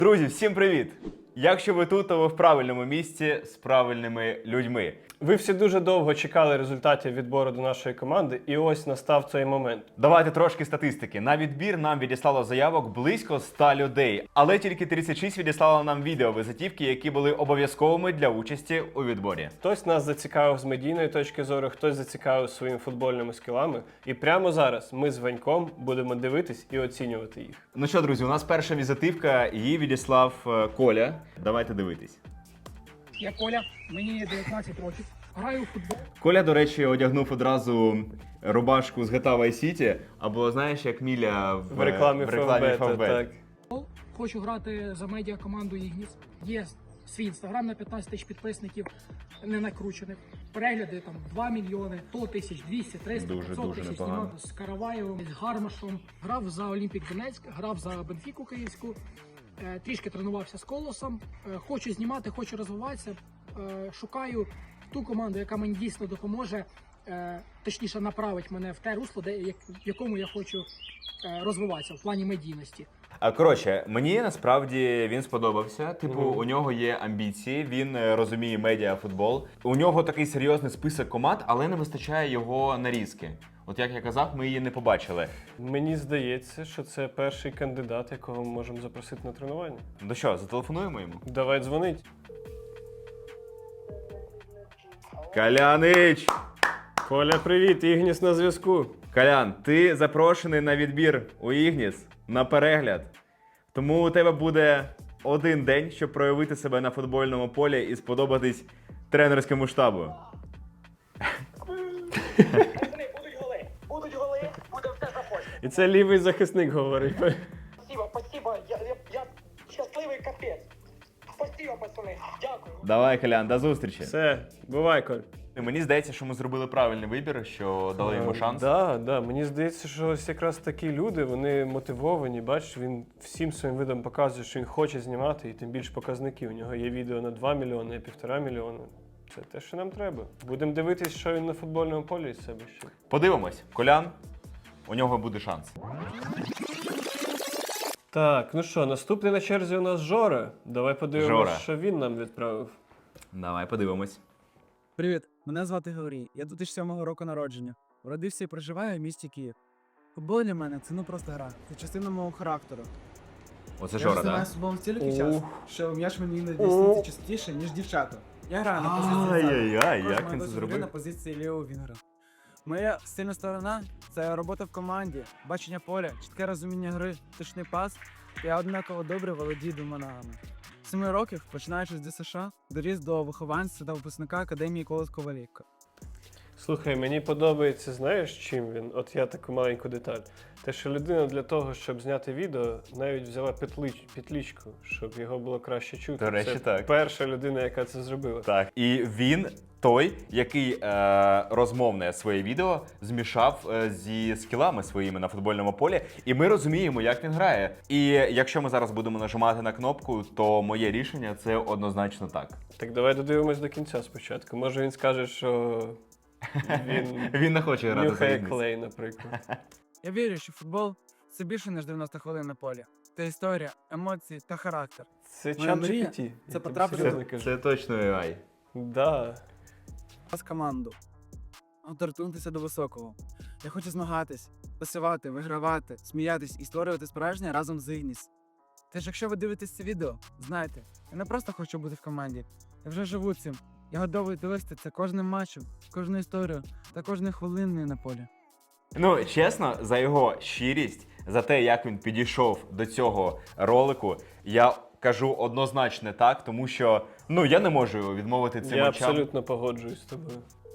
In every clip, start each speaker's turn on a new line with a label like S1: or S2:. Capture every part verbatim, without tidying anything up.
S1: Друзі, всім привіт! Якщо ви тут, то ви в правильному місці з правильними людьми.
S2: Ви всі дуже довго чекали результатів відбору до нашої команди, і ось настав цей момент.
S1: Давайте трошки статистики. На відбір нам відіслало заявок близько ста людей, але тільки тридцять шість відіслало нам відео визитівки, які були обов'язковими для участі у відборі.
S2: Хтось нас зацікавив з медійної точки зору, хтось зацікавив своїми футбольними скілами. І прямо зараз ми з Ваньком будемо дивитись і оцінювати їх.
S1: Ну що, друзі, у нас перша візитивка, її відіслав е, Коля. Давайте дивитись.
S3: Я Коля, мені дев'ятнадцять років. Граю у футбол.
S1: Коля, до речі, одягнув одразу рубашку з джі ті ей Vice City, або знаєш, як Міля в,
S2: В рекламі
S1: в рекламі
S2: Фавбета,
S1: Фавбет.
S2: так.
S3: Хочу грати за медіакоманду Ігніс. Є свій інстаграм на п'ятнадцять тисяч підписників, не накручених. Перегляди там два мільйони, сто тисяч, двісті, триста,
S1: Дуже,
S3: п'ятсот
S1: дуже
S3: тисяч.
S1: непогано.
S3: Знімав з Караваєвим, з Гармашом. Грав за Олімпік Донецьк, грав за Бенфіку Київську. Е, Трішки тренувався з Колосом. Е, Хочу знімати, хочу розвиватися. Е, Шукаю ту команду, яка мені дійсно допоможе, е, точніше направить мене в те русло, де, як- в якому я хочу е, розвиватися в плані медійності.
S1: А коротше, мені насправді він сподобався. Типу,
S2: Мгм.
S1: у нього є амбіції, він е, розуміє медіафутбол. У нього такий серйозний список команд, але не вистачає його нарізки. От як я казав, ми її не побачили.
S2: Мені здається, що це перший кандидат, якого ми можемо запросити на тренування.
S1: Ну що, зателефонуємо йому?
S2: Давай дзвонить.
S1: Калянич!
S2: Коля, привіт, Ігніс на зв'язку.
S1: Колян, ти запрошений на відбір у Ігніс на перегляд. Тому у тебе буде один день, щоб проявити себе на футбольному полі і сподобатись тренерському штабу.
S4: Пацани, будуть голи, будуть голи, буде все заходити.
S2: І це лівий захисник говорить.
S4: Спасибо, спасибо, я, я, я щасливий капець. Спасибо, пацани, дякую.
S1: Давай, Колян, до зустрічі.
S2: Все, бувай, Коль.
S1: Мені здається, що ми зробили правильний вибір, що дали йому шанс.
S2: Так, да, да. Мені здається, що ось якраз такі люди, вони мотивовані. Бачиш, він всім своїм видом показує, що він хоче знімати, і тим більше показники. У нього є відео на два мільйони, і півтора мільйона. Це те, що нам треба. Будемо дивитись, що він на футбольному полі із себе ще.
S1: Подивимось. Колян, у нього буде шанс.
S2: Так, ну що, наступний на черзі у нас Жора. Давай подивимось,
S1: Жора.
S2: що він нам відправив.
S1: Давай подивимось.
S5: Привіт, мене звати Георгій. Я дві тисячі сьомого року народження. Родився і проживаю в місті Київ. Футбол для мене це ну просто гра. Це частина мого характеру.
S1: Оце
S5: Я
S1: Жора,
S5: вже
S1: так?
S5: займаюся футболом стільки
S2: Ух.
S5: часу, що м'яч мені іноді сниться частіше, ніж дівчата. Я граю на позиції ззаду.
S1: Ай-яй-яй,
S5: Також
S1: як
S5: моя
S1: він це
S5: досвід гри
S1: зробив?
S5: на позиції лівого вінгера. Моя сильна сторона це робота в команді, бачення поля, чітке розуміння гри, точний пас. Я однаково добре володію двома ногами. З семи років, починаючи з ДЮСШ, доріс до вихованця та випускника Академії Колос Ковалівка.
S2: Слухай, мені подобається, знаєш, чим він? От я таку маленьку деталь. Те, що людина для того, щоб зняти відео, навіть взяла петлич, петлічку, щоб його було краще чути.
S1: До речі,
S2: це
S1: так.
S2: перша людина, яка це зробила.
S1: Так. І він той, який е, розмовне своє відео змішав е, зі скілами своїми на футбольному полі. І ми розуміємо, як він грає. І якщо ми зараз будемо нажимати на кнопку, то моє рішення це однозначно так.
S2: Так давай додивимось до кінця спочатку. Може він скаже, що він
S1: Він не хоче грати за
S2: нюхає
S1: Ігніс.
S2: клей, наприклад.
S5: Я вірю, що футбол це більше, ніж дев'яносто хвилин на полі. Це історія, емоції та характер.
S2: Це
S5: Моя
S2: чат
S5: мрія
S2: джі пі ті.
S5: це потрапити
S1: Це, це точно ей ай.
S2: Да.
S5: З команду. Торкнутися до високого. Я хочу змагатись, посивати, вигравати, сміятись і створювати справжнє разом з Ігніс. Тож, якщо ви дивитесь це відео, знайте, я не просто хочу бути в команді. Я вже живу цим. Я готовий довести це кожним матчем, кожну історію та кожною хвилиною на полі.
S1: Ну, чесно, за його щирість, за те, як він підійшов до цього ролику, я кажу однозначно так, тому що, ну, я не можу відмовити цим
S2: Я
S1: очам.
S2: абсолютно погоджуюсь з тобою.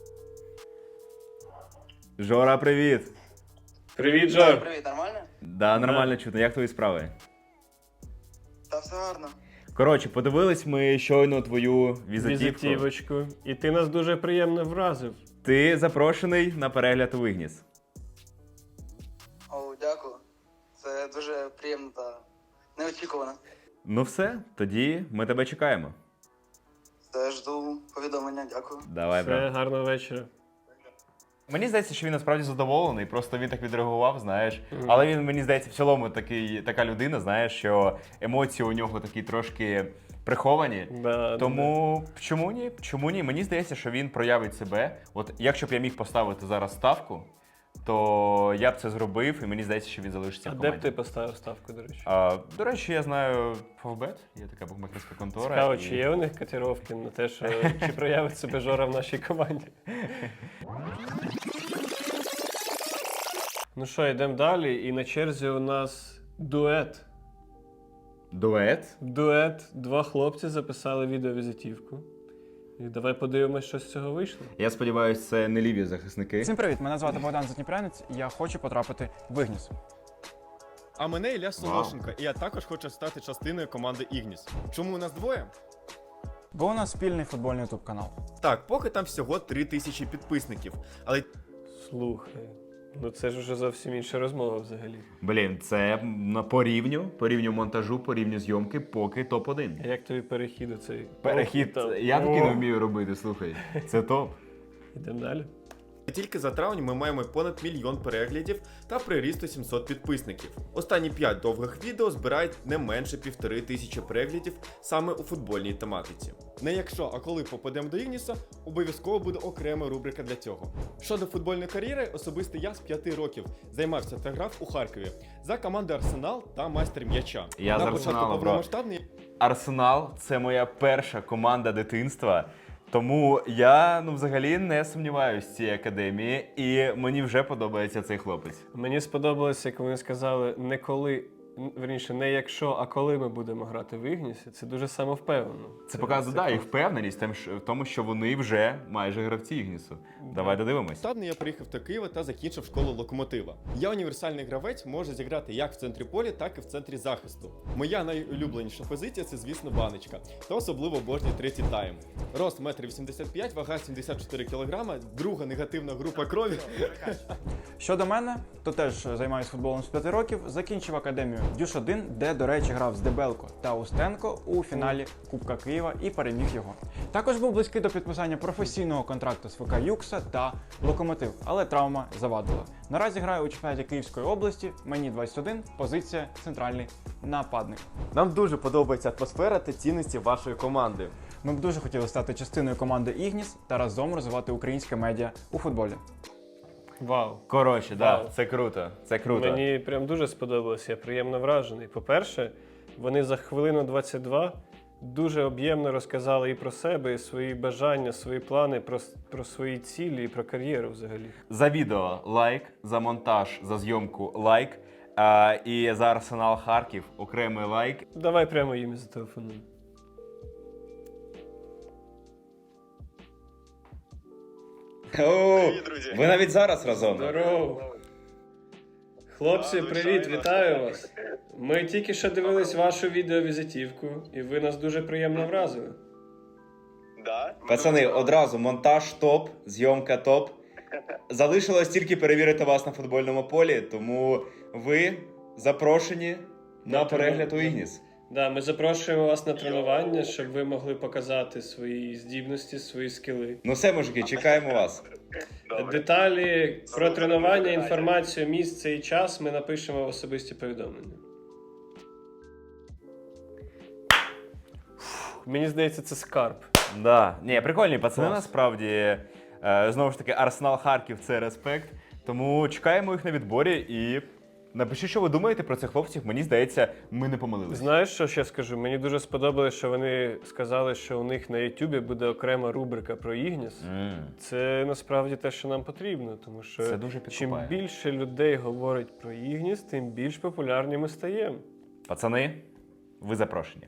S1: Жора, привіт!
S2: Привіт, Жор!
S6: Привіт, нормально?
S1: Да, нормально чутно. Як твої справи?
S6: Та все гарно.
S1: Коротше, подивились ми щойно твою візитівку.
S2: Візитівочку. І ти нас дуже приємно вразив.
S1: Ти запрошений на перегляд у Ігніс.
S6: О, дякую. Це дуже приємно та неочікувано.
S1: Ну все, тоді ми тебе чекаємо.
S6: Все, жду повідомлення, дякую.
S1: Давай,
S2: Все,
S1: брат.
S2: гарного вечора.
S1: Мені здається, що він насправді задоволений, просто він так відреагував, знаєш. Але він, мені здається, в цілому такий, така людина, знаєш, що емоції у нього такі трошки приховані.
S2: Да,
S1: Тому чому ні? Чому ні? Мені здається, що він проявить себе. От якщо б я міг поставити зараз ставку, то я б це зробив, і мені здається, що він залишиться
S2: А
S1: в
S2: де
S1: команді.
S2: б ти поставив ставку, до речі?
S1: А, до речі, я знаю Фавбет, є така букмекерська контора.
S2: Цікаво,
S1: і-
S2: чи є у них котировки на те, що чи проявить себе Жора в нашій команді. Ну що, йдемо далі. І на черзі у нас дует.
S1: Дует.
S2: Дует. Два хлопці записали відеовізитівку. І давай подивимось, що з цього вийшло.
S1: Я сподіваюся, це не ліві захисники.
S7: Всім привіт! Мене звати Богдан Задніпрянець, і я хочу потрапити в Ігніс.
S8: А мене Ілля Солошенко, і я також хочу стати частиною команди Ігніс. Чому у нас двоє?
S7: Бо у нас спільний футбольний ютуб канал.
S8: Так, поки там всього три тисячі підписників. Але
S2: Слухай. Ну це ж вже зовсім інша розмова взагалі.
S1: Блін, це на по рівню, по рівню монтажу, по рівню зйомки, поки топ один.
S2: А як тобі перехід у цей?
S1: Перехід,
S2: О, там.
S1: я таки не
S2: О.
S1: вмію робити, слухай. Це топ.
S2: Ідемо далі.
S8: тільки за травень ми маємо понад мільйон переглядів та приріст сімсот підписників. Останні п'ять довгих відео збирають не менше півтори тисячі переглядів саме у футбольній тематиці. Не якщо, а коли попадемо до Ігніса, обов'язково буде окрема рубрика для цього. Щодо футбольної кар'єри, особисто я з п'яти років займався та грав у Харкові за команди Арсенал та майстер м'яча.
S1: Я
S8: На
S1: з
S8: початку
S1: Арсеналу, бро.
S8: повномасштабної
S1: Арсенал це моя перша команда дитинства. Тому я ну взагалі не сумніваюся в цій академії, і мені вже подобається цей хлопець.
S2: Мені сподобалося, як вони сказали, не коли, н- верніше, не якщо, а коли ми будемо грати в Ігнісі. Це дуже самовпевнено.
S1: Це показує да,
S2: круто.
S1: їх впевненість тем, що- в тому, що вони вже майже гравці Ігнісу. Давай додивимось.
S8: Повномасштабно я приїхав до Києва та закінчив школу Локомотива. Я універсальний гравець, можу зіграти як в центрі поля, так і в центрі захисту. Моя найулюбленіша позиція це, звісно, баночка, та особливо обожнюю третій тайм. Рост метр вісімдесят п'ять, вага сімдесят чотири кілограма, друга негативна група крові.
S7: Щодо мене, то теж займаюся футболом з п'яти років, закінчив академію Дюш один, де, до речі, грав з Дебелко та Устенко у фіналі Кубка Києва і переміг його. Також був близький до підписання професійного контракту з ФК Юкса та Локомотив, але травма завадила. Наразі граю у чемпіонаті Київської області, мені двадцять один, позиція центральний нападник.
S9: Нам дуже подобається атмосфера та цінності вашої команди.
S7: Ми б дуже хотіли стати частиною команди Ігніс та разом розвивати українське медіа у футболі.
S2: Вау.
S1: Коротше, да,
S2: Вау.
S1: це круто. Це круто.
S2: Мені прям дуже сподобалося, я приємно вражений. По-перше, вони за хвилину двадцять два дуже об'ємно розказали і про себе, і свої бажання, свої плани, про, с- про свої цілі і про кар'єру взагалі.
S1: За відео лайк, за монтаж, за зйомку лайк. А, і за Арсенал Харків окремий лайк.
S2: Давай прямо їм і зателефонуємо.
S1: О, ви навіть зараз разом.
S2: Здорово! Хлопці, привіт, вітаю вас! Ми тільки що дивились вашу відеовізитівку, і ви нас дуже приємно вразили.
S1: Пацани, одразу монтаж топ, зйомка топ. Залишилось тільки перевірити вас на футбольному полі, тому ви запрошені на перегляд у Ігніс.
S2: Да, ми запрошуємо вас на тренування, щоб ви могли показати свої здібності, свої скіли.
S1: Ну все, мужики, чекаємо вас.
S2: Деталі про тренування, інформацію, місце і час ми напишемо в особисті повідомлення. Фух, мені здається, це скарб.
S1: Да. Ні, прикольні пацани,
S2: Клас.
S1: насправді. Е, Знову ж таки, Арсенал Харків це респект. Тому чекаємо їх на відборі і напишіть, що ви думаєте про цих хлопців. Мені здається, ми не помилилися.
S2: Знаєш, що ще скажу? Мені дуже сподобалось, що вони сказали, що у них на Ютубі буде окрема рубрика про Ігніс.
S1: М.
S2: Це насправді те, що нам потрібно, тому що
S1: Це дуже
S2: чим
S1: підкупає.
S2: більше людей говорить про Ігніс, тим більш популярні ми стаємо.
S1: Пацани, ви запрошені.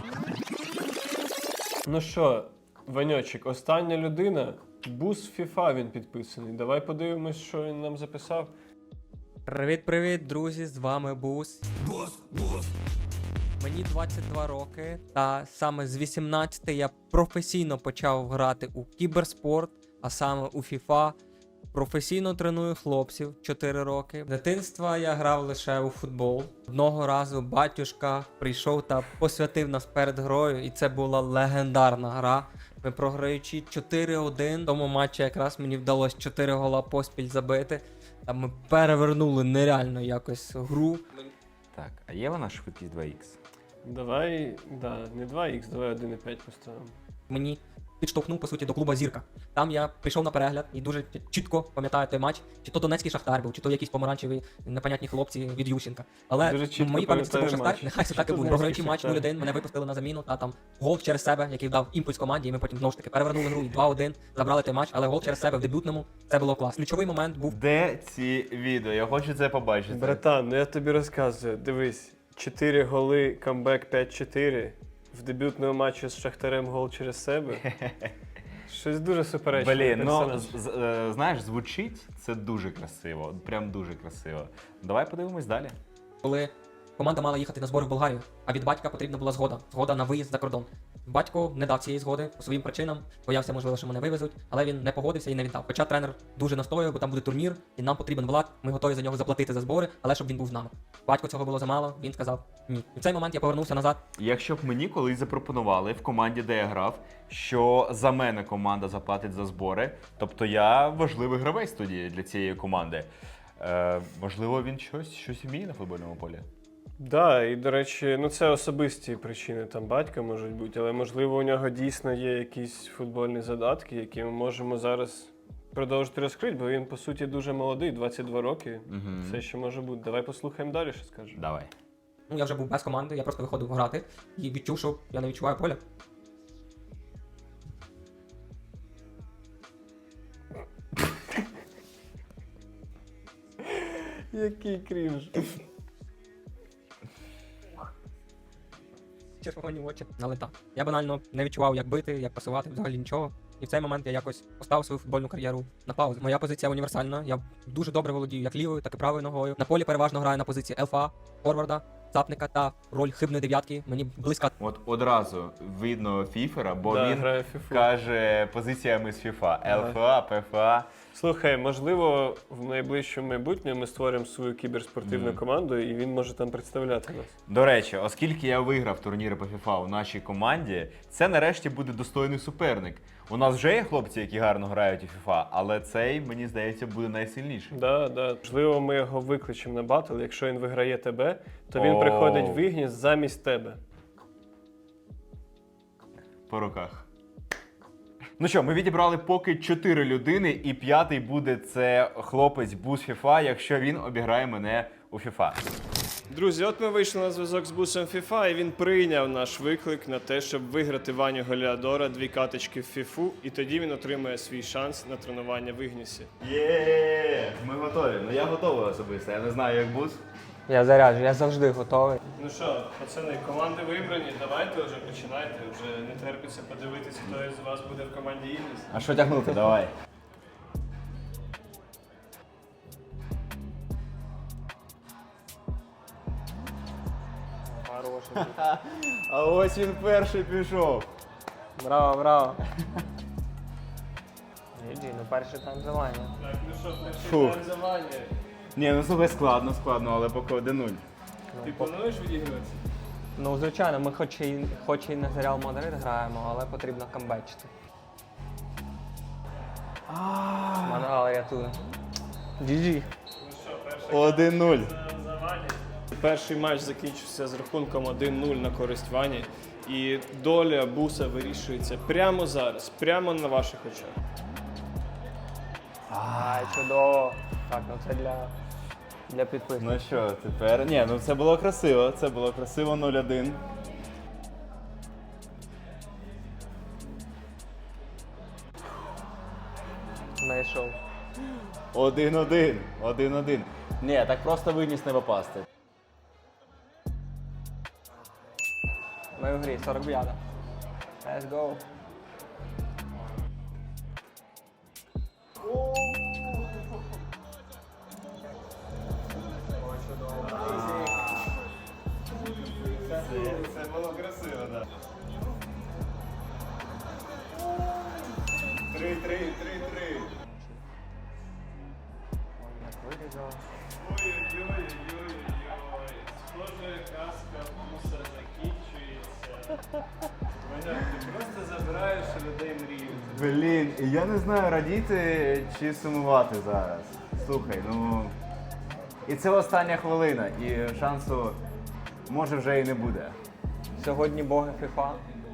S2: Ну що, Ваньочик, остання людина, Бус FIFA він підписаний. Давай подивимось, що він нам записав.
S10: Привіт-привіт, друзі! З вами Бус. Бус, Бус. Мені двадцять два роки, та саме з вісімнадцяти я професійно почав грати у кіберспорт, а саме у FIFA. Професійно треную хлопців чотири роки. З дитинства я грав лише у футбол. Одного разу батюшка прийшов та посвятив нас перед грою, і це була легендарна гра. Ми програючи чотири один. В тому матчі якраз мені вдалося чотири гола поспіль забити. Там ми перевернули нереально якось гру.
S1: Так, а є вона швидкість два ікс?
S2: Давай, да, не два ікс, давай один і п'ять поставимо.
S10: Мені підштовхнув, по суті, до клуба Зірка. Там я прийшов на перегляд і дуже чітко пам'ятаю той матч, чи то Донецький Шахтар був, чи то якісь помаранчеві непонятні хлопці від Ющенка. Але
S2: Дуже
S10: в
S2: чітко
S10: моїй пам'яті це був
S2: пам'ятаю
S10: Шахтар,
S2: матч.
S10: нехай це
S2: Чи
S10: так і
S2: то
S10: буде.
S2: Донецький
S10: Програючи матч
S2: Шахтар.
S10: нуль один, мене випустили на заміну, та там гол через себе, який дав імпульс команді, і ми потім знову ж таки перевернули гру і два один, забрали той матч, але гол через себе в дебютному, це було клас. Ключовий момент був.
S1: Де ці відео? Я хочу це побачити.
S2: Братан, ну я тобі розказую, дивись, чотири голи, камбек п'ять чотири, в дебютному матчі з Шахтарем гол через себе. Щось дуже суперечне.
S1: Блін, ну з- з- е, знаєш, звучить це дуже красиво. Прям дуже красиво. Давай подивимось далі.
S10: Коли команда мала їхати на збори в Болгарію, а від батька потрібна була згода. Згода на виїзд за кордон. Батько не дав цієї згоди по своїм причинам, боявся, можливо, що мене вивезуть, але він не погодився і не віддав. Хоча тренер дуже настоював, бо там буде турнір, і нам потрібен Влад, ми готові за нього заплатити за збори, але щоб він був з нами. Батько цього було замало, він сказав ні. І в цей момент я повернувся назад.
S1: Якщо б мені колись запропонували в команді, де я грав, що за мене команда заплатить за збори, тобто я важливий гравець тоді для цієї команди. Е, можливо, він щось, щось вміє на футбольному полі.
S2: Да, і до речі, ну це особисті причини там батька можуть бути, але можливо у нього дійсно є якісь футбольні задатки, які ми можемо зараз продовжити розкрити, бо він по суті дуже молодий, двадцять два роки.
S1: Мгм.
S2: Все ще може бути. Давай послухаємо далі, що скаже.
S1: Давай.
S10: Ну я вже був без команди, я просто виходив грати і відчув, що я не відчуваю поля.
S2: Який крінж.
S10: Червоні очі налета. Я банально не відчував, як бити, як пасувати, взагалі нічого. І в цей момент я якось поставив свою футбольну кар'єру на паузу. Моя позиція універсальна. Я дуже добре володію як лівою, так і правою ногою. На полі переважно граю на позиції ЛФА, форварда, цапника та роль хибної дев'ятки. Мені близька.
S1: От одразу видно фіфера, бо
S2: Да,
S1: він
S2: грає в фіфу.
S1: каже позиціями з фіфа.
S2: Ага.
S1: ЛФА, ПФА.
S2: Слухай, можливо, в найближчому майбутньому ми створимо свою кіберспортивну
S1: Мгм.
S2: команду, і він може там представляти нас.
S1: До речі, оскільки я виграв турніри по фіфа у нашій команді, це нарешті буде достойний суперник. У нас вже є хлопці, які гарно грають у фіфа, але цей, мені здається, буде найсильніший.
S2: Да, да. Можливо, ми його викличемо на батл. Якщо він виграє тебе, то він
S1: О.
S2: приходить в Ігніс замість тебе.
S1: По руках. Ну що, ми відібрали поки чотири людини, і п'ятий буде це хлопець Бус фіфа, якщо він обіграє мене у фіфа.
S2: Друзі, от ми вийшли на зв'язок з бусом FIFA, і він прийняв наш виклик на те, щоб виграти Ваню Голіадора, дві каточки в фіфу, і тоді він отримає свій шанс на тренування в Ігнісі.
S1: Є, ми готові. Ну я готовий особисто. Я не знаю, як Бус.
S10: Я заряджу, я завжди готовий.
S2: Ну що, пацани, команди вибрані, давайте вже починайте. Вже не терпиться подивитися, хто із вас буде в команді Ігніс.
S1: А що тягнути? Давай.
S2: Хороший.
S1: А ось він перший пішов.
S10: Браво, браво. Джі, ну перший тайм за Ваню.
S2: Так, ну що, перший
S1: Фух.
S2: тайм за Ваню.
S1: Ні, ну слухай, складно, складно, але поки один нуль.
S2: Ти плануєш відігруватися?
S10: Ну, звичайно, ми хоч і, хоч і на Реал Мадрид граємо, але потрібно камбечити. Мангал рятує. Джі-джі.
S2: Ну що, перший
S1: один нуль.
S2: тайм за Ваню. Перший матч закінчився з рахунком один нуль на користь Вані. І доля буса вирішується прямо зараз, прямо на ваших очах.
S10: Ай, чудово. Так, ну це для, для підписників.
S1: Ну що, тепер. Ні, ну це було красиво. Це було красиво нуль один.
S10: Знайшов.
S1: один один. один один. Ні, так просто виніс не попасти.
S10: Ми в грі, сорок п'ята. Let's go.
S1: Це було красиво, так. три три, три три.
S2: Ой-ой-ой-ой-ой. Схоже, казка буса закінчується. Ти просто забираєш у людей мрію.
S1: Блін, я не знаю, радіти чи сумувати зараз. Слухай, ну. І це остання хвилина, і шансу може вже і не буде.
S10: Сьогодні боги FIFA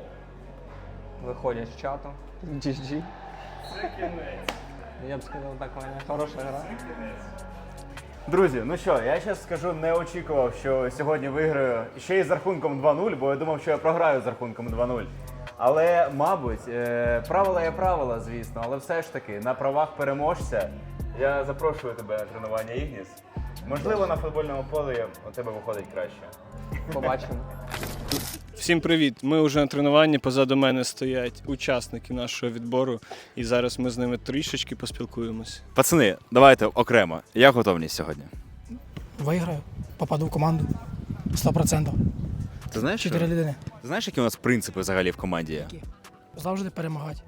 S10: виходять з чату. джі джі.
S2: Це кінець.
S10: Я б сказав, так, Ваня, хороша гра.
S1: Друзі, ну що, я зараз скажу, не очікував, що сьогодні виграю ще й з рахунком два нуль, бо я думав, що я програю з рахунком два нуль. Але, мабуть, е, правила є правила, звісно, але все ж таки, на правах переможця я запрошую тебе на тренування, Ігніс. Можливо, на футбольному полі у тебе виходить краще.
S10: Побачимо.
S2: Всім привіт! Ми вже на тренуванні, позаду мене стоять учасники нашого відбору, і зараз ми з ними трішечки поспілкуємось.
S1: Пацани, давайте окремо. Як готовність сьогодні?
S3: Виграю, попаду в команду. сто відсотків.
S1: Ти знаєш, що?
S3: Чотири людини.
S1: Ти знаєш, які у нас принципи взагалі в команді є?
S3: Завжди перемагати.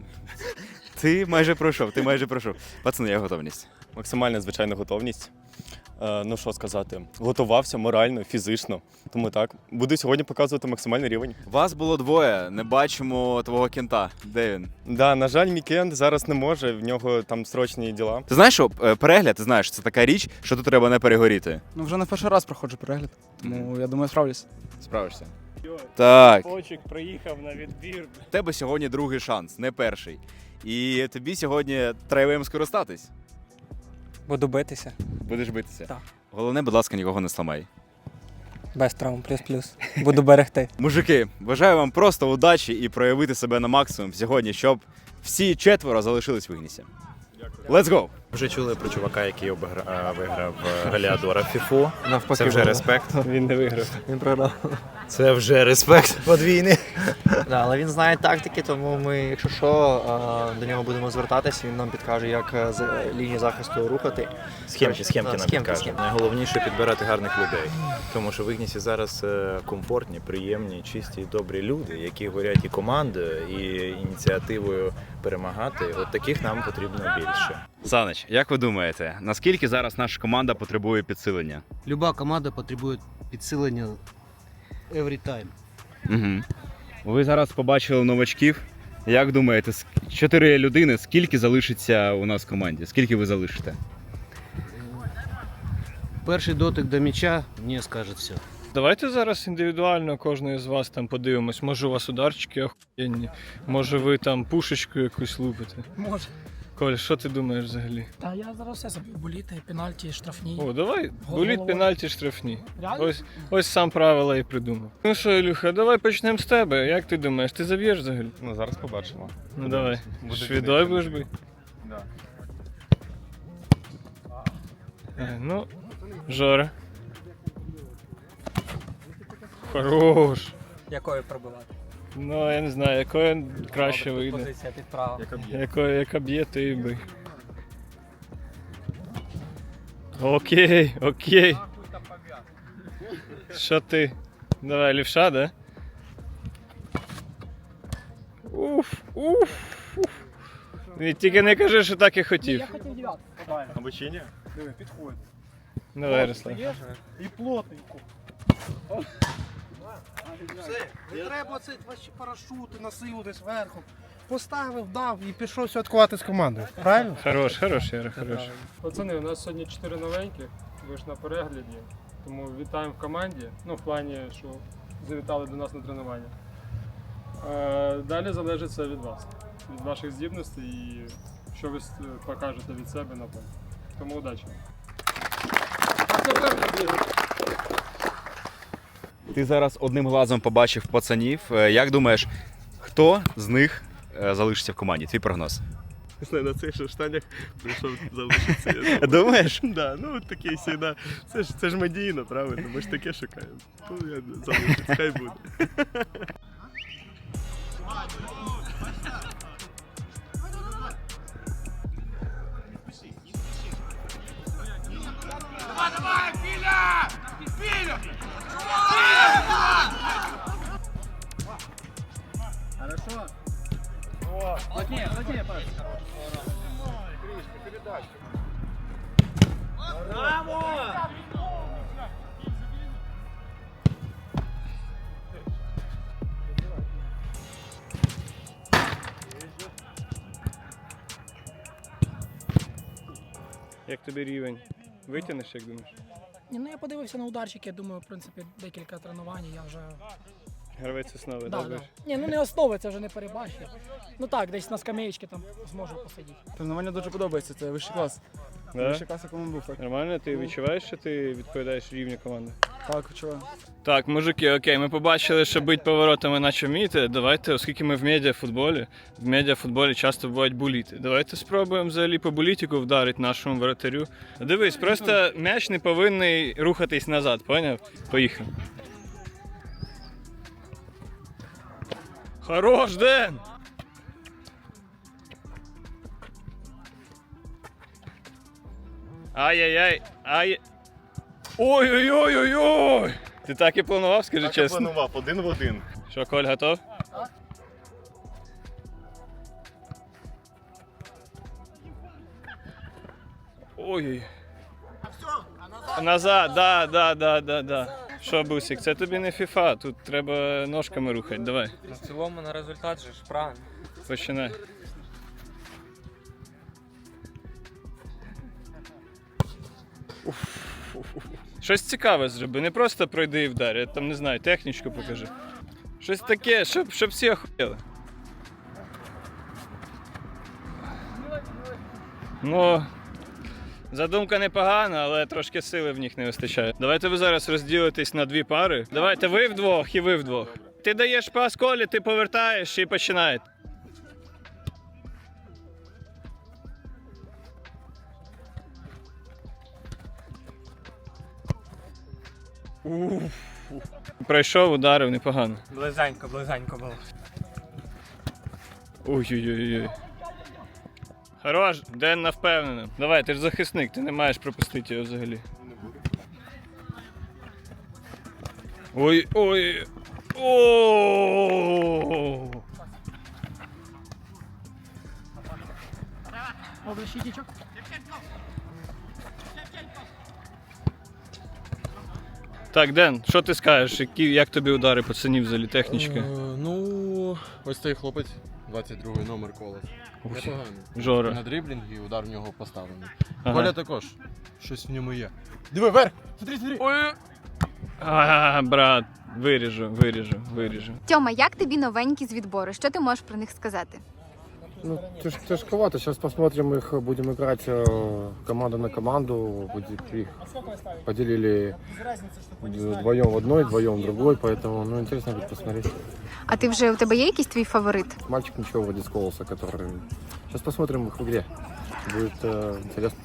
S1: Ти майже пройшов, ти майже пройшов. Пацани, як готовність?
S11: Максимальна, звичайно, готовність. Е, ну що сказати, готувався морально, фізично. Тому так, буду сьогодні показувати максимальний рівень.
S1: Вас було двоє, не бачимо твого кента. Де він?
S11: Да, на жаль, мій кент зараз не може, в нього там срочні діла.
S1: Ти знаєш, що е, перегляд, ти знаєш, це така річ, що тут треба не перегоріти.
S5: Ну вже не в перший раз проходжу перегляд, тому я думаю, справлюсь.
S1: Справишся? Так.
S2: Почик приїхав на відбір.
S1: В тебе сьогодні другий шанс, не перший. І тобі сьогодні треба їм скористатись.
S10: Буду битися.
S1: Будеш битися?
S10: Так.
S1: Головне, будь ласка, нікого не сламай.
S10: Без травм, плюс-плюс. Буду берегти.
S1: Мужики, бажаю вам просто удачі і проявити себе на максимум сьогодні, щоб всі четверо залишились в Ігнісі. Let's go!
S12: Вже чули про чувака, який обигра... виграв Галіадора в фіфу. Це вже респект.
S2: Він не виграв.
S12: Він програв. Це вже респект подвійний. Да, але він знає тактики, тому ми, якщо що, до нього будемо звертатися, він нам підкаже, як з лінії захисту рухати. Схемки, схемки нам підкаже. Найголовніше підбирати гарних людей. Тому що в Ігнісі зараз комфортні, приємні, чисті і добрі люди, які горять і командою, і ініціативою перемагати. От таких нам потрібно більше.
S1: Саныч, як ви думаєте, наскільки зараз наша команда потребує підсилення?
S13: Люба команда потребує підсилення every time.
S1: Угу. Ви зараз побачили новачків. Як думаєте, з чотири людини, скільки залишиться у нас в команді? Скільки ви залишите?
S13: Перший дотик до м'яча мені скаже все.
S2: Давайте зараз індивідуально кожного з вас там подивимось. Може у вас ударчики охуєнні, може ви там пушечку якусь лупите.
S3: Може.
S2: Коль, що ти думаєш взагалі?
S3: Та я зараз все забив. Боліти, пенальті, штрафні.
S2: О, давай, боліт, пенальті, штрафні.
S3: Реально?
S2: Ось, ось сам правила і придумав. Ну що, Ілюха, давай почнемо з тебе. Як ти думаєш, ти заб'єш взагалі?
S11: Ну зараз побачимо.
S2: Ну давай.
S11: Буде
S2: Швідой
S11: кінець.
S2: будеш бити?
S11: Да.
S2: Е, Ну, Жора. Хорош.
S10: Якою пробивати?
S2: Ну, я не знаю, якою краще
S10: Добре, тут
S2: вийде.
S10: позиція під право.
S2: Якою, яка б'є, то і бий. Окей, окей. Що ти? Давай, лівша, да? Уф, уф, уф. Ні, тільки не кажи, що так і хотів.
S3: Я хотів дев'ятку.
S11: Або чи ні?
S2: Диви, підходь. Давай, Руслан.
S13: І плотненько. Все, не треба це ваші парашути, насилу зверху. Поставив, дав і пішов святкувати з командою. Правильно?
S2: Хорош, хорош, Яра, хорош. Пацани, у нас сьогодні чотири новенькі, ви ж на перегляді, тому вітаємо в команді, ну в плані, що завітали до нас на тренування. Е, Далі залежить це від вас, від ваших здібностей і що ви с- покажете від себе на полі. Тому удачі.
S1: Ти зараз одним глазом побачив пацанів. Е, Як думаєш, хто з них е, залишиться в команді? Твій прогноз?
S11: На цих же штанях прийшов залишитися.
S1: Думаєш?
S11: Да, ну такий всегда. Це ж це ж медійно, правильно? Ми ж таке шукаємо. Ну я залишусь, хай буде.
S2: Як тобі рівень? Витягнеш, як думаєш?
S3: Ні, ну я подивився на ударчики, я думаю, в принципі, декілька тренувань, я вже...
S2: Гравець основи,
S3: Да,
S2: да,
S3: да. Ні, ну не основи, це вже не перебачив. Ну так, десь на скамеєчці там зможу посидіти.
S5: Тренування дуже подобається, це вищий клас.
S2: Да?
S5: Вищий клас, якому був, так.
S2: Нормально? Ти відчуваєш, що ти відповідаєш рівню команди?
S5: Так, відчуваю.
S2: Так, мужики, окей, ми побачили, що бить поворотами наче вмієте. Давайте, оскільки ми в медіафутболі, в медіафутболі часто бувають буліти. Давайте спробуємо взагалі по булітику вдарити нашому воротарю. Дивись, просто м'яч не повинен рухатись назад, поняв? Поїхав. Хорош, Ден! Ай-яй-яй, ай. Ой-ой-ой-ой-ой! Ти так і планував, скажи
S11: Так
S2: чесно?
S11: я планував, один в один.
S2: Що, Коль, готов? Ой. Назад, да, да, да, да, да. Що, Бусик, це тобі не фіфа, тут треба ножками рухати, давай.
S10: В цілому на результат же ж правильно.
S2: Починай. Щось цікаве зроби, не просто пройди і вдар, я там не знаю, технічку покажи. Щось таке, щоб, щоб всі охуєли. Ну, задумка непогана, але трошки сили в них не вистачає. Давайте ви зараз розділитесь на дві пари. Давайте ви вдвох і ви вдвох. Ти даєш пас Колі, ти повертаєш і починаєте. Уф. Пройшов, ударив непогано.
S10: Близенько, близенько було.
S2: Ой-ой-ой. Хорош, Ден на впевнено. Давай, ти ж захисник, ти не маєш пропустити його взагалі. Ой, ой. О!
S3: Добре, щитічок.
S2: Так, Ден, що ти скажеш? Які, як тобі удари пацанів взагалі, технічка?
S14: Ну, ось цей хлопець, двадцять другий номер Колос. Непоганий.
S2: Жора.
S14: На дріблінг і удар в нього поставлений.
S2: Ага.
S14: Коля також. Щось в ньому є. Диви, вверх! Смотри, смотри!
S2: Ой! А, брат, виріжу, виріжу, виріжу.
S15: Тьома, як тобі новенькі з відбору? Що ти можеш про них сказати?
S16: Ну, тяж, тяжковато. Сейчас посмотрим их, будем играть э, команда на команду. Будет, их поделили вдвоем в одной, вдвоем в другой, поэтому ну, интересно будет посмотреть.
S15: А ти вже, у тебе є якийсь твій фаворит?
S16: Мальчик ничего вроде с Колоса, который... Сейчас посмотрим их в игре. Будет э, интересно.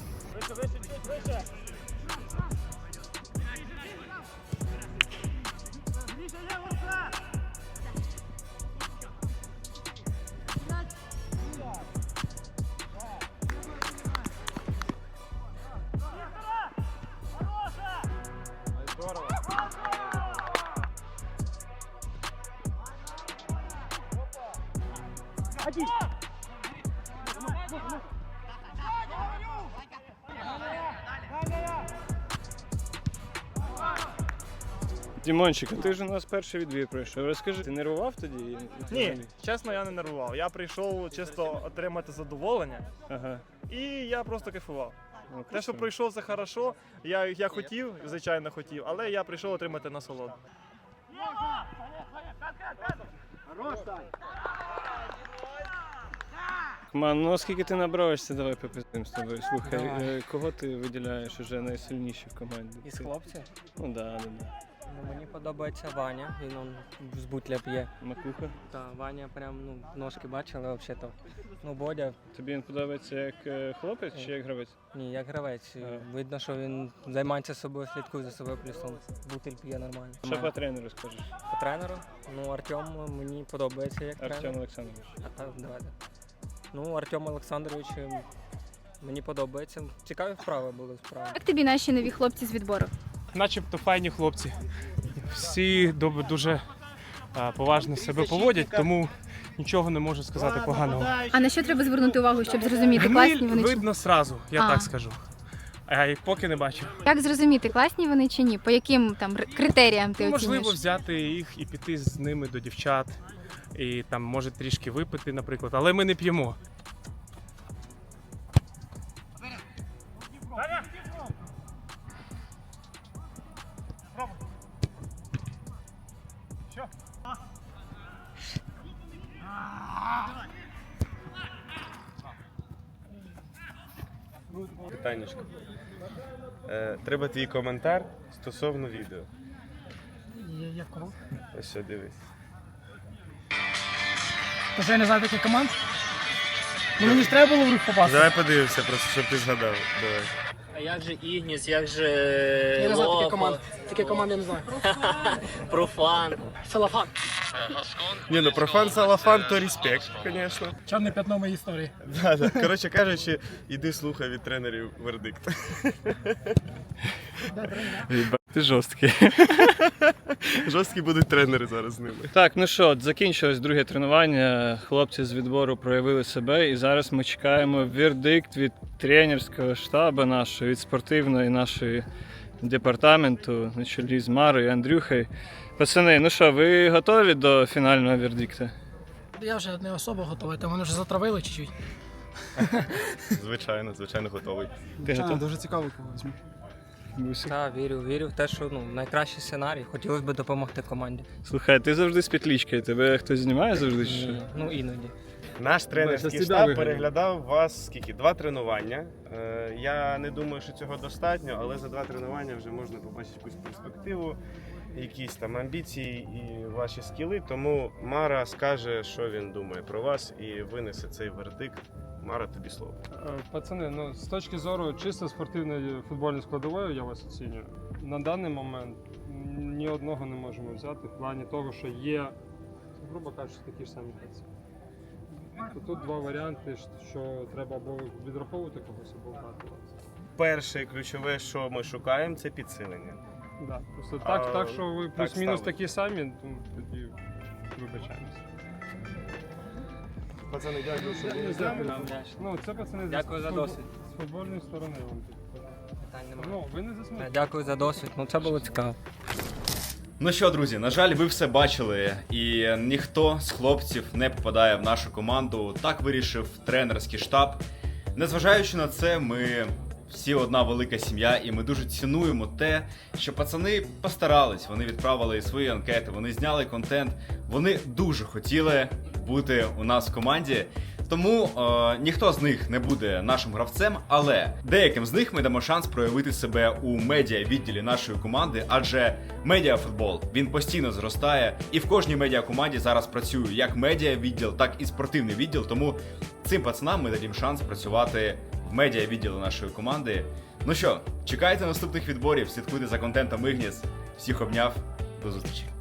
S2: Дімончик, а ти ж у нас перший відбір пройшов. Розкажи, ти нервував тоді?
S17: Ні, чесно, я не нервував. Я прийшов чисто отримати задоволення,
S2: Ага.
S17: і я просто кайфував.
S2: Ну,
S17: Те, що
S2: красиво.
S17: прийшов, це хорошо. Я, я хотів, звичайно хотів, але я прийшов отримати насолоду.
S2: Ман, ну оскільки ти набравишся, давай попиздим з тобою. Слухай,
S10: Давай.
S2: е, кого ти виділяєш уже найсильніші в команді?
S10: Із
S2: Ти-
S10: хлопців?
S2: Ну да, да, да.
S10: Ну, мені подобається Ваня, він он з бутля п'є.
S2: Макуха?
S10: Так, Ваня прям, ну, ножки бачили взагалі-то. Ну, Бодя.
S2: Тобі він подобається як е, хлопець чи як гравець?
S10: Ні, як гравець. Видно, що він займається собою, слідкує за собою, плюс он бутиль п'є нормально.
S2: Що по тренеру скажеш?
S10: По тренеру? Ну, Артем мені подобається як тренер.
S2: Артем Олександрович.
S10: А, так, давайте. Ну, Артем Олександрович е, мені подобається. Цікаві вправи були справи.
S15: Як тобі наші нові хлопці з відбору?
S18: Начебто файні хлопці. Всі доб- дуже а, поважно себе поводять, тому нічого не можу сказати поганого.
S15: А на що треба звернути увагу, щоб зрозуміти,
S18: Гниль
S15: класні вони чи
S18: видно сразу, я
S15: А.
S18: так скажу. А я поки не бачу.
S15: як зрозуміти, класні вони чи ні? По яким там р- критеріям ти
S18: Ну, можливо,
S15: оцінюєш?
S18: взяти їх і піти з ними до дівчат, і там може трішки випити, наприклад, але ми не п'ємо.
S19: Питаннячко. Е, треба твій коментар стосовно відео.
S3: Я в кого?
S19: Ось що, дивись.
S3: Та що я не знаю таких команд? Ну мені ж треба було в рух попасти.
S19: Давай подивимося, просто щоб ти згадав. Давай.
S20: А як же Ігніс, як же
S3: Я не знаю таких
S20: Лопа?
S3: команд. Такі команди я не знаю.
S20: Профан.
S3: Салафан.
S19: Ні, ну профан салафан, то респект, звісно.
S3: Чорне п'ятно моєї історії.
S19: Да, да. Коротше кажучи, іди слухай від тренерів вердикт.
S18: Ти жорсткий.
S19: Жорсткі будуть тренери зараз з ними.
S18: Так, ну що, от закінчилось друге тренування. Хлопці з відбору проявили себе, і зараз ми чекаємо вердикт від тренерського штабу нашого, від спортивної нашої департаменту на чолі з Марою і Андрюхою. Пацани, ну що, ви готові до фінального вердикту?
S3: Я вже не особо готовий, там вони вже затравили чуть-чуть.
S19: Звичайно, звичайно, готовий.
S18: Ти готовий?
S5: Дуже цікаво, кого візьму.
S10: Так, вірю, вірю в те, що ну, найкращий сценарій. Хотілося б допомогти команді.
S18: Слухай, ти завжди з петлічкою, тебе хтось знімає завжди? Чи що?
S10: Ні, ну іноді.
S19: Наш тренерський
S18: Без
S19: штаб
S18: тебе
S19: переглядав вас скільки? Два тренування. Е, Я не думаю, що цього достатньо, але за два тренування вже можна побачити якусь перспективу, якісь там амбіції і ваші скіли. Тому Мара скаже, що він думає про вас, і винесе цей вердикт. Мара, тобі слово.
S2: Пацани, ну з точки зору чисто спортивної футбольної складової я вас оцінюю. На даний момент ні одного не можемо взяти в плані того, що є, грубо кажучи, такі ж самі гравці. То тут два варіанти, що треба або відраховувати когось, або брати вас.
S19: Перше ключове, що ми шукаємо, це підсилення.
S2: Да, просто так,
S19: А,
S2: так, що ви
S19: так
S2: плюс-мінус
S19: сталося.
S2: такі самі, ну, тоді вибачаємося.
S19: Пацани, дякую, що були з
S2: Дякую.
S19: нами.
S2: Ну, це пацани
S10: Дякую
S2: з,
S10: за
S2: футбол-
S10: досвід.
S2: з футбольної сторони вам тут.
S10: Питань немає.
S2: Ну, ви не засмієте.
S10: Дякую за досвід, ну це було цікаво.
S1: Ну що, друзі, на жаль, ви все бачили, і ніхто з хлопців не попадає в нашу команду. Так вирішив тренерський штаб. Незважаючи на це, ми всі одна велика сім'я, і ми дуже цінуємо те, що пацани постарались, вони відправили свої анкети, вони зняли контент, вони дуже хотіли бути у нас в команді. Тому е, ніхто з них не буде нашим гравцем, але деяким з них ми дамо шанс проявити себе у медіа-відділі нашої команди, адже медіафутбол, він постійно зростає, і в кожній медіакоманді зараз працює як медіа-відділ, так і спортивний відділ, тому цим пацанам ми дадим шанс працювати в медіа-відділі нашої команди. Ну що, чекайте наступних відборів, слідкуйте за контентом Ігніс. Всіх обняв, до зустрічі.